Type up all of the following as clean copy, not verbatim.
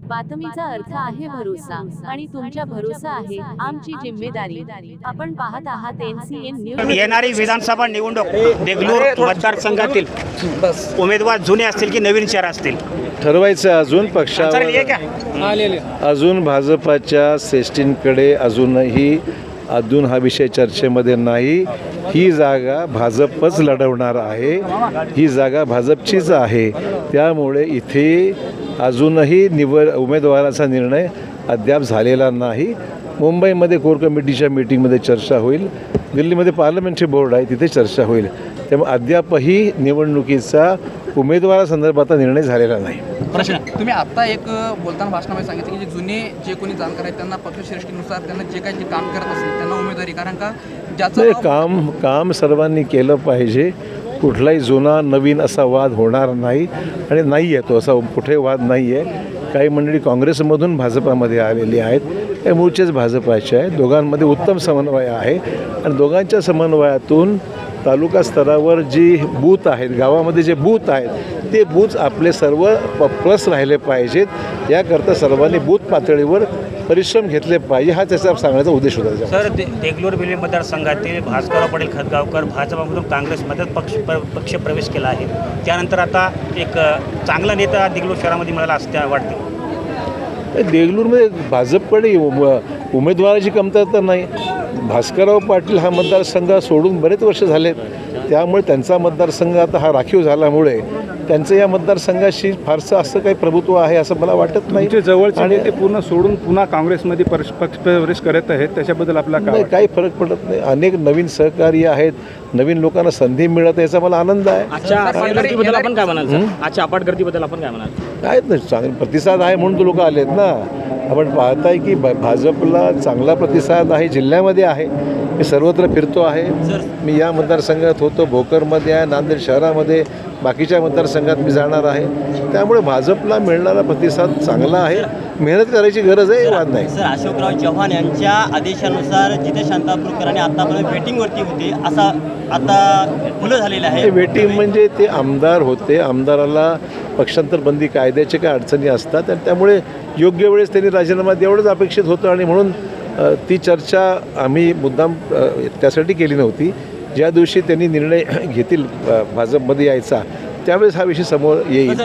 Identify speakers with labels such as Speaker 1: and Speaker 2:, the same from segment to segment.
Speaker 1: बातमीचा अर्थ आहे भरोसा आणि तुमच्या भरोसा आहे आमची जिम्मेदारी। आपण पाहत आहात NCN न्यूज।
Speaker 2: येणारी विधानसभा निवडणूक देगलूर मतदारसंघातील उमेदवार जुने असतील की नवीन चेहरा असतील
Speaker 3: ठरवायचं अजून पक्षावर अजून भाजपाच्या श्रेष्ठींकडे अजून हा विषय चर्चेमध्ये नाही। ही जागा भाजपच लढवणार आहे, ही जागा भाजपचीच आहे। त्यामुळे इथे अजूनही उमेदवाराचा निर्णय अद्याप झालेला नाही। मुंबईमध्ये कोर कमिटीच्या मीटिंगमध्ये चर्चा होईल, दिल्लीमध्ये पार्लमेंटरी बोर्ड आहे तिथे चर्चा होईल। त्यामुळे अद्यापही निवडणुकीचा उमेदवारासंदर्भात निर्णय झालेला नाही।
Speaker 4: प्रश्न तुम्ही आता एक बोलताना भाषणामध्ये सांगितलं की जुने जे कोणी जाणकार आहेत त्यांना पक्षश्रेष्ठीनुसार त्यांना जे काही काम करत असेल त्यांना उमेदवारी, कारण का ज्याचं
Speaker 3: काम सर्वांनी केलं पाहिजे। कुठलाही जुना नवीन असा वाद होणार नाही आणि नाही आहे तो असा कुठे वाद नाही आहे। काही मंडळी काँग्रेसमधून भाजपामध्ये आलेली आहेत, हे मूळचेच भाजपाचे आहेत। दोघांमध्ये उत्तम समन्वय आहे आणि दोघांच्या समन्वयातून तालुका स्तरावर जी बूथ आहेत, गावामध्ये जे बूथ आहेत ते बूथ आपले सर्व प्लस राहिले पाहिजेत। याकरता सर्वांनी बूथ पातळीवर परिश्रम घेतले पाहिजे, हा त्याचा सांगण्याचा उद्देश होता।
Speaker 2: सर, देगलूर बिले मतदारसंघातील भास्करराव पाटील खतगावकर भाजपामधून काँग्रेसमध्ये पक्ष प्रवेश केला आहे। त्यानंतर आता एक चांगला नेता देगलूर शहरामध्ये मिळाला असं वाटते।
Speaker 3: देगलूरमध्ये भाजपकडे उमेदवाराची कमतरता नाही। भास्करराव पाटील हा मतदारसंघ सोडून बरेच वर्ष झालेत, त्यामुळे त्यांचा मतदारसंघ आता हा राखीव झाल्यामुळे त्यांचं या मतदारसंघाशी फारसं असं काही प्रभुत्व आहे असं मला वाटत नाही।
Speaker 5: जवळचे आणि ते पूर्ण सोडून पुन्हा काँग्रेसमध्ये प्रवेश करत आहेत, त्याच्याबद्दल आपला
Speaker 3: नाही काही फरक पडत नाही। अनेक नवीन सहकारी आहेत, नवीन लोकांना संधी मिळत, याचा मला आनंद आहे।
Speaker 2: आजच्या अपाटगर्दीबद्दल आपण काय म्हणाल? आजच्या अपाटगर्दीबद्दल आपण काय म्हणाल?
Speaker 3: आहेत ना, चांगले प्रतिसाद आहे म्हणून तो लोक आलेत ना। आपण पाहताय की भाजपला चांगला प्रतिसाद आहे, जिल्ह्यामध्ये आहे। मी सर्वत्र फिरतो आहे, मी या मतदारसंघात होतो, भोकरमध्ये आहे, नांदेड शहरामध्ये, बाकीच्या मतदारसंघात मी जाणार आहे। त्यामुळे भाजपला मिळणारा प्रतिसाद चांगला आहे, मेहनत करायची गरज आहे, वाद नाही।
Speaker 6: सर, अशोकराव चव्हाण यांच्या आदेशानुसार जिथे शांतापूरकरांनी आतापर्यंत वेटिंगवरती होते असा आता खुलं झालेलं आहे।
Speaker 3: वेटिंग म्हणजे ते आमदार होते, आमदाराला पक्षांतर बंदी कायद्याचे काय अडचणी असतात आणि त्यामुळे योग्य वेळेस त्यांनी राजीनामा एवढंच अपेक्षित होतं आणि म्हणून ती चर्चा आम्ही मुद्दाम त्यासाठी केली नव्हती। ज्या दिवशी त्यांनी निर्णय घेतील भाजपमध्ये यायचा त्यावेळेस हा विषय समोर येईल।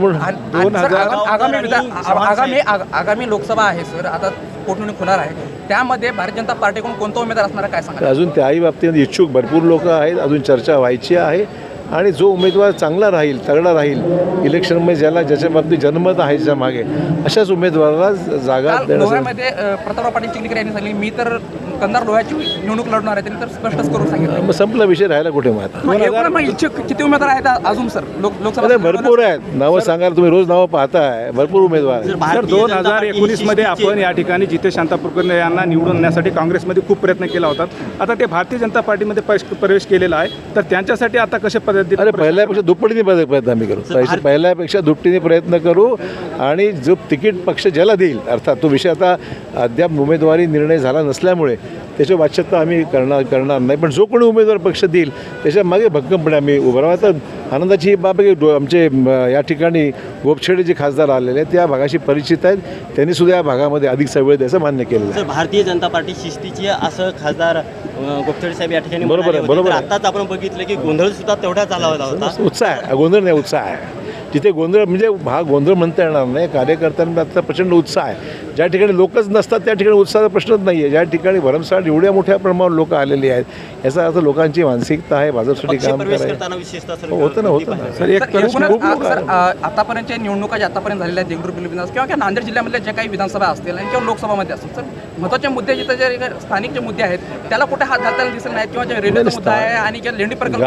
Speaker 4: आगामी लोकसभा आहे सर, आता पोटनिवडणूक होणार आहे, त्यामध्ये भारतीय जनता पार्टीकडून कोणता उमेदवार असणार काय सांगा?
Speaker 3: अजून त्याही बाबतीत इच्छुक भरपूर लोक आहेत, अजून चर्चा व्हायची आहे आणि जो उमेदवार चांगला राहील, तगडा राहील इलेक्शनमध्ये, ज्याच्या बाबतीत जनमत आहे ज्याच्या मागे, अशाच उमेदवाराला जागा
Speaker 4: लोह्यामध्ये प्रतापराव पाटील चिखलीकर यांनी सांगितले मी तर कंधार लोह्याची निवडणूक लढणार आहे, त्यांनी तर स्पष्टच करून सांगितलं।
Speaker 3: मग संपला विषय, राहिला कुठे मग
Speaker 4: इच्छुक किती उमेदवार आहेत अजून सर? लोकसभा
Speaker 3: भरपूर आहेत, नावं सांगायला तुम्ही रोज नावं पाहताय, भरपूर उमेदवार आहेत।
Speaker 5: सर, 2019 मध्ये आपण या ठिकाणी जिथे शांतापूरकर यांना निवडून आणण्यासाठी काँग्रेसमध्ये खूप प्रयत्न केला होता, आता ते भारतीय जनता पार्टीमध्ये प्रवेश केलेला आहे, तर त्यांच्यासाठी आता कशा पद्धतीने?
Speaker 3: अरे पहिल्यापेक्षा दुप्पटीने प्रयत्न आम्ही करू, पहिल्यापेक्षा दुपटीने प्रयत्न करू आणि जो तिकीट पक्ष ज्याला देईल, अर्थात तो विषय आता अद्याप उमेदवारी निर्णय झाला नसल्यामुळे त्याची वाच्यता आम्ही करणार नाही, पण जो कोणी उमेदवार पक्ष देईल त्याच्या मागे भक्कमपणे आम्ही उभं राहू। आता आनंदाची बाब आहे की आमचे या ठिकाणी गोपछेडे जे खासदार आलेले आहेत त्या भागाशी परिचित आहेत, त्यांनी सुद्धा या भागामध्ये अधिकचा वेळ द्यायचं मान्य केलेलं आहे।
Speaker 6: भारतीय जनता पार्टी शिस्तीची असं खासदार गोपछेडे साहेब या ठिकाणी
Speaker 3: बरोबर
Speaker 6: आताच आपण बघितलं की गोंधळ सुद्धा तेवढा झाला होता।
Speaker 3: उत्साह आहे, गोंधळ नाही, उत्साह आहे। जिथे गोंधळ म्हणजे हा गोंधळ म्हणता येणार नाही, कार्यकर्त्यांना आता प्रचंड उत्साह आहे। ज्या ठिकाणी लोकच नसतात त्या ठिकाणी उत्साहाचा प्रश्नच नाही आहे। ज्या ठिकाणी भरमसाठ एवढ्या मोठ्या प्रमाणावर लोक आलेली आहेत, याचा अर्थ लोकांची मानसिकता आहे भाजपसाठी काम करायचं होतं ना।
Speaker 4: सर, आतापर्यंतच्या निवडणुका ज्या आतापर्यंत झालेल्या आहेत देगलूर बिलिंद्रास किंवा नांदेड जिल्ह्यामधल्या ज्या काही विधानसभा असतील आणि किंवा लोकसभामध्ये असतील, सर महत्त्वाचे मुद्दे जिथे जे स्थानिक जे मुद्दे आहेत त्याला कुठे हात घालताना दिसत नाही, किंवा जे रेल्वेचा मुद्दा आहे आणि लेंडी प्रकल्प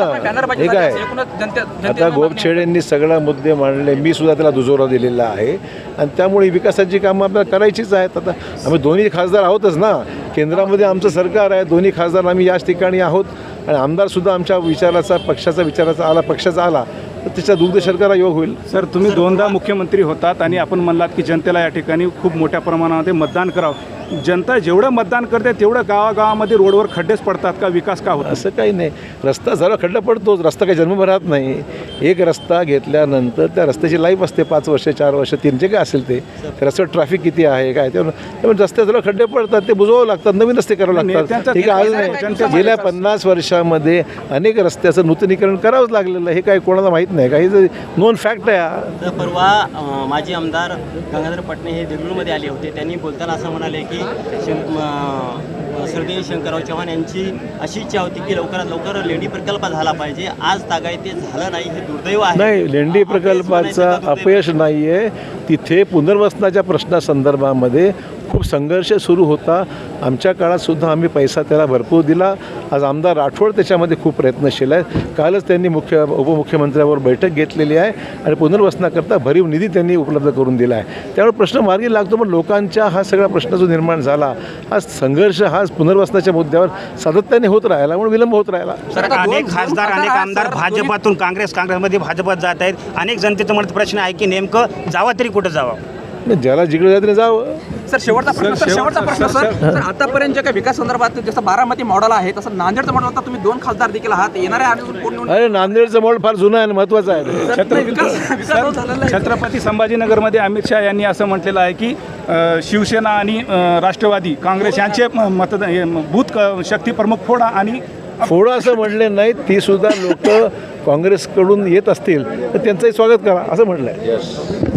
Speaker 4: आहे,
Speaker 3: आता गोपछेडेंनी सगळा मुद्दे मांडले, मी सुद्धा त्याला दुजोरा दिलेला आहे आणि त्यामुळे विकासाची कामं आपल्याला करायचीच आहेत। आता आम्ही दोन्ही खासदार आहोतच ना, केंद्रामध्ये आमचं सरकार आहे, दोन्ही खासदार आम्ही याच ठिकाणी आहोत आणि आमदारसुद्धा आमच्या विचाराचा, पक्षाचा विचाराचा आला, पक्षाचा आला तर त्याचा दुग्ध शर्करा योग होईल.
Speaker 5: सर तुम्ही दोनदा मुख्यमंत्री होतात आणि आपण म्हणलात की जनतेला या ठिकाणी खूप मोठ्या प्रमाणामध्ये मतदान करावं. जनता जेवढं मतदान करते तेवढं गावागावामध्ये रोडवर खड्डेच पडतात का, विकास का होत?
Speaker 3: असं काही नाही. रस्ता जरा खड्डा पडतोच, रस्ता काही जन्मभरात नाही. एक रस्ता घेतल्यानंतर त्या रस्त्याची लाईफ असते 5 वर्ष 4 वर्ष 3 जे काय असेल ते. त्या रस्त्यावर ट्रॅफिक किती आहे काय त्यामुळे रस्त्यात जरा खड्डे पडतात, ते बुजवावं लागतात, नवीन रस्ते करावं लागतात. ठीक आहे, आज नाही. गेल्या 50 वर्षामध्ये अनेक रस्त्याचं नूतनीकरण करावंच लागलेलं आहे. हे काही कोणाला माहीत नाही, काही नोन फॅक्ट आहे हा.
Speaker 6: तर परवा माजी आमदार गंगाधर पटणे हे देगलूरमध्ये आले होते. त्यांनी बोलताना असं म्हणाले की स्वर्गीय शंकरराव चव्हाण यांची अशी इच्छा होती की लवकरात लवकर लेंडी प्रकल्प झाला पाहिजे. आज तागाय ते झालं नाही, हे दुर्दैव आहे.
Speaker 3: नाही, लेंडी प्रकल्पाचं अपयश नाही आहे. तिथे पुनर्वसनाच्या प्रश्नासंदर्भामध्ये खूप संघर्ष सुरू होता. आमच्या काळातसुद्धा आम्ही पैसा त्याला भरपूर दिला. आज आमदार राठोड त्याच्यामध्ये खूप प्रयत्नशील आहेत. कालच त्यांनी उपमुख्यमंत्र्यावर बैठक घेतलेली आहे आणि पुनर्वसनाकरता भरीव निधी त्यांनी उपलब्ध करून दिला आहे. त्यामुळे प्रश्न मार्गी लागतो. पण लोकांच्या हा सगळा प्रश्न जो निर्माण झाला, हा संघर्ष हा पुनर्वसनाच्या मुद्द्यावर सातत्याने होत राहिला, म्हणून विलंब होत राहिला.
Speaker 2: सर अनेक खासदार अनेक आमदार भाजपातून काँग्रेसमध्ये भाजपात जात आहेत. अनेक जनतेचा म्हणत प्रश्न आहे की नेमकं जावं तरी कुठं जावं?
Speaker 3: ज्याला जिकडे जायचं जावं.
Speaker 4: सर शेवटचा प्रश्न सर आतापर्यंत जे काही विकास संदर्भात जसं बारामती मॉडेल आहे तसं नांदेडचं मॉडेल आता तुम्ही 2 खासदार देखील आहात. येणाऱ्या अजून कोण निवडून
Speaker 3: अरे नांदेडचं मॉडेल फार जुनं आहे आणि महत्त्वाचं आहे.
Speaker 4: विकास झालेला आहे.
Speaker 5: छत्रपती संभाजीनगरमध्ये अमित शहा यांनी असं म्हटलेलं आहे की शिवसेना आणि राष्ट्रवादी काँग्रेस यांचे बूथ शक्ती प्रमुख फोडा आणि
Speaker 3: फोडं असं म्हणले नाहीत. ती सुद्धा लोक काँग्रेसकडून येत असतील तर त्यांचंही स्वागत करा असं म्हटलं आहे.